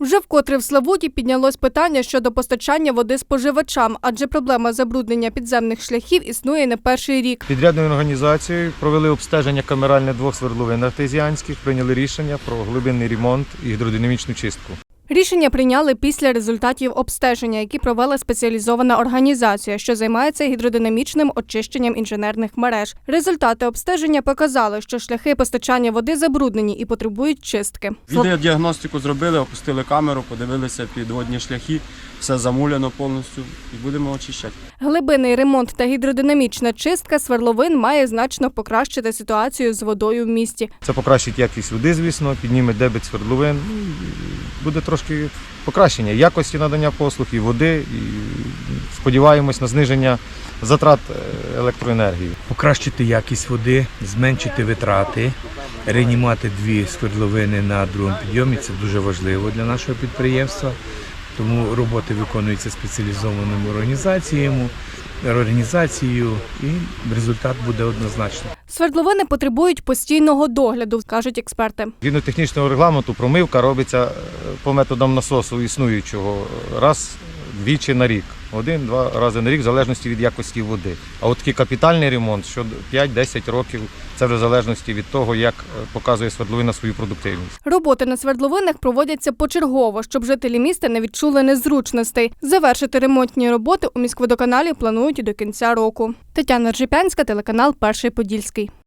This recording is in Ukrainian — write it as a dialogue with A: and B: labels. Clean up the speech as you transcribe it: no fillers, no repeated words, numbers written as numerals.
A: Вже вкотре в Славуті піднялось питання щодо постачання води споживачам, адже проблема забруднення підземних шляхів існує не перший рік.
B: Підрядною організацією провели обстеження камеральне 2 свердловин артезіанських, прийняли рішення про глибинний ремонт і гідродинамічну чистку.
A: Рішення прийняли після результатів обстеження, які провела спеціалізована організація, що займається гідродинамічним очищенням інженерних мереж. Результати обстеження показали, що шляхи постачання води забруднені і потребують чистки.
C: Відеодіагностику зробили, опустили камеру, подивилися підводні шляхи, все замуляно повністю і будемо очищати.
A: Глибинний ремонт та гідродинамічна чистка свердловин має значно покращити ситуацію з водою в місті.
B: Це покращить якість води, звісно, підніме дебет свердловин. Буде трошки покращення якості надання послуг і води. І сподіваємось на зниження затрат електроенергії.
D: Покращити якість води, зменшити витрати, реанімувати 2 свердловини на другому підйомі – це дуже важливо для нашого підприємства. Тому роботи виконуються спеціалізованими організацією і результат буде однозначний.
A: Свердловини потребують постійного догляду, кажуть експерти.
B: Згідно технічного регламенту промивка робиться по методам насосу існуючого раз-двічі на рік. 1-2 рази на рік, в залежності від якості води. А от такий капітальний ремонт, що 5-10 років, це вже в залежності від того, як показує свердловина свою продуктивність.
A: Роботи на свердловинах проводяться почергово, щоб жителі міста не відчули незручностей. Завершити ремонтні роботи у міськводоканалі планують до кінця року. Тетяна Ржепянська, телеканал «Перший Подільський».